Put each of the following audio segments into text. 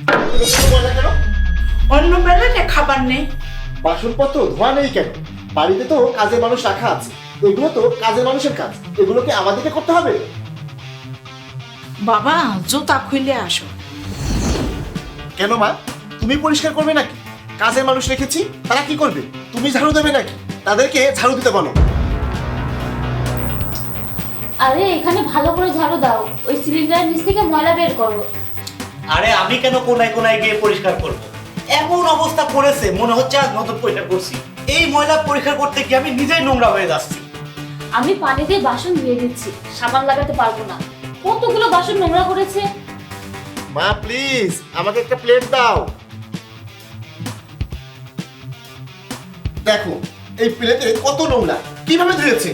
কেন? অন্য প্লেটে খাবার নেই। বাসনপত্র ধোয়া নেই কেন? বাড়িতে তো কাজের মানুষ রাখা আছে, এগুলো তো কাজের মানুষের কাজ, এগুলোকে আমাদেরকে করতে হবে? বাবা জুতা খুলে আসো। কেন মা, তুমি পরিষ্কার করবে নাকি? কাজের মানুষ রেখেছি, তারা কি করবে? তুমি ঝাড়ু দেবে নাকি? তাদেরকে ঝাড়ু দিতে বলো। আরে এখানে ভালো করে ঝাড়ু দাও, ওই সিলিন্ডারের নিচ থেকে ময়লা বের করো। আরে আমি কেন কোনায় কোনায় গিয়ে পরিষ্কার করব? এমন অবস্থা করেছে মনে হচ্ছে আজ নতুন পরিষ্কার করছি। এই ময়লা পরিষ্কার করতে গিয়ে আমি নিজেই নোংরা হয়ে যাচ্ছি। আমি পানি দিয়ে বাসন ধুয়ে দিচ্ছি, সাবান লাগাতে পারবো না। কতগুলো বাসন নোংরা করেছে। মা প্লিজ আমাকে একটা প্লেট দাও। দেখো এই প্লেটে কত নোংরা, কিভাবে ধুয়েছে?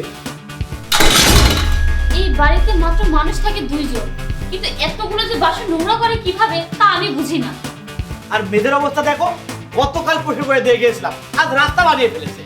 এই বাড়িতে মাত্র মানুষ থাকে 2 জন, কিন্তু এতগুলো যে বাসন নোংরা করে কিভাবে তা আমি বুঝি না। আর মেয়েদের অবস্থা দেখো, গতকাল পরিষ্কার করে দিয়ে গিয়েছিলাম, আজ রাস্তা বানিয়ে ফেলেছে।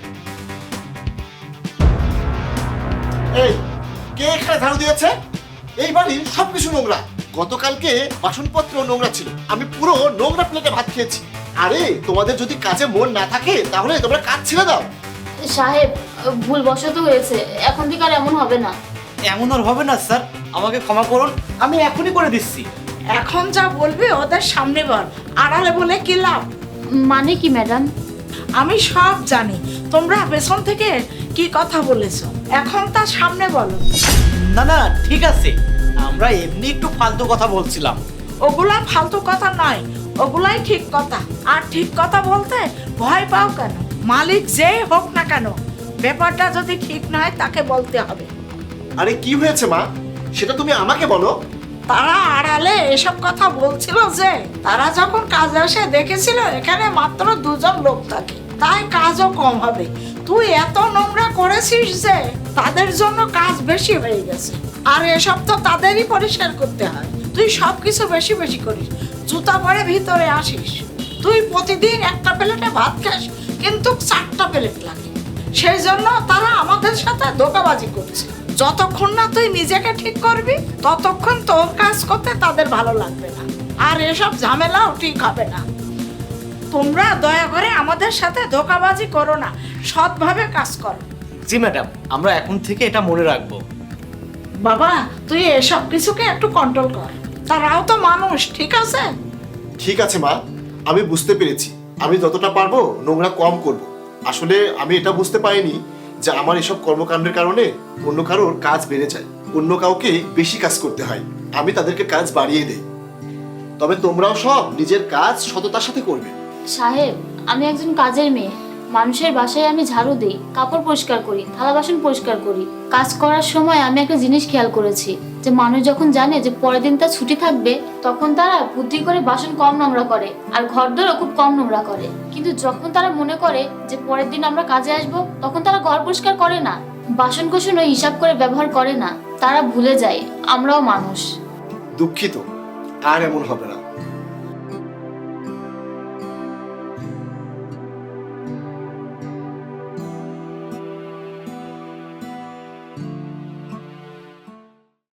এই কে এখানে ঝাড়ু দিয়েছে? এই বাড়ির সবকিছু নোংরা। গতকালকে বাসনপত্র নোংরা ছিল, আমি পুরো নোংরা প্লেটে ভাত খেয়েছি। আরে তোমাদের যদি কাজে মন না থাকে তাহলে তোমরা কাজ ছেড়ে দাও। সাহেব, ভুল বশত হয়েছে, এখন থেকে আর এমন হবে না। এমন আর হবে না স্যার, আমাকে ক্ষমা করুন, আমি এখনই করে দিচ্ছি। এখন যা বলবি ওদের সামনে বল, আড়ালে বলে কি লাভ? মানে কি ম্যাডাম? আমি সব জানি তোমরা পেছন থেকে কি কথা বলেছো, এখন তার সামনে বলো। না না ঠিক আছে, আমরা এমনি একটু ফালতু কথা বলছিলাম। ওগুলা ফালতু কথা নয়, ওগুলাই ঠিক কথা। আর ঠিক কথা বলতে ভয় পাও কেন? মালিক যেই হোক না কেন, ব্যাপারটা যদি ঠিক নয় তাকে বলতে হবে। আরে কি হয়েছে মা, সেটা তুমি আমাকে বলো। তারা আড়ালে এসব কথা বলছিল যে তারা যখন কাজে এসে দেখেছিল এখানে মাত্র 2 জন লোক থাকে, তাই কাজও কম হবে। তুই এত নোংরা করেছিস যে তাদের জন্য কাজ বেশি হয়ে গেছে। আর এসব তো তাদেরই পরিষ্কার করতে হয়। তুই সব কিছু বেশি বেশি করিস, জুতা পরে ভিতরে আসিস। তুই প্রতিদিন একটা প্লেটে ভাত খাস, কিন্তু 4টা প্লেট লাগে। সেই জন্য তারা আমাদের সাথে ধোঁকাবাজি করছে। যতক্ষণ না তুই নিজেকে ঠিক করবি ততক্ষণ তোর কাজ করতে তাদের ভালো লাগবে না, আর এসব ঝামেলাও ঠিক হবে না। তোমরা দয়া করে আমাদের সাথে ধোঁকাবাজি করো না, সৎভাবে কাজ করো। জি ম্যাডাম, আমরা এখন থেকে এটা মনে রাখবো। বাবা তুই এসব কিছুকে একটু কন্ট্রোল কর, তারাও তো মানুষ, ঠিক আছে? ঠিক আছে মা, আমি বুঝতে পেরেছি। আমি যতটা পারবো নোংরা কম করব। আসলে আমি এটা বুঝতে পারিনি যে আমার এসব কর্মকাণ্ডের কারণে অন্য কারোর কাজ বেড়ে যায়, অন্য কাউকে বেশি কাজ করতে হয়, আমি তাদেরকে কাজ বাড়িয়ে দেই। তবে তোমরাও সব নিজের কাজ সততার সাথে করবে। সাহেব, আমি একজন কাজের মেয়ে। মানুষের বাসায় আমি ঝাড়ু দিই, কাপড় পরিষ্কার করি, থালা বাসন পরিষ্কার করি। কাজ করার সময় আমি একটা জিনিস খেয়াল করেছি, যে মানুষ যখন জানে যে পরের দিন তার ছুটি থাকবে, তখন তারা বুদ্ধি করে বাসন কম নোংরা করে আর ঘরদোরও খুব কম নোংরা করে। কিন্তু যখন তারা মনে করে যে পরের দিন আমরা কাজে আসব, তখন তারা ঘর পরিষ্কার করে না, বাসন কোসনও হিসাব করে ব্যবহার করে না। তারা ভুলে যায় আমরাও মানুষ। দুঃখিত, আর এমন হবে না।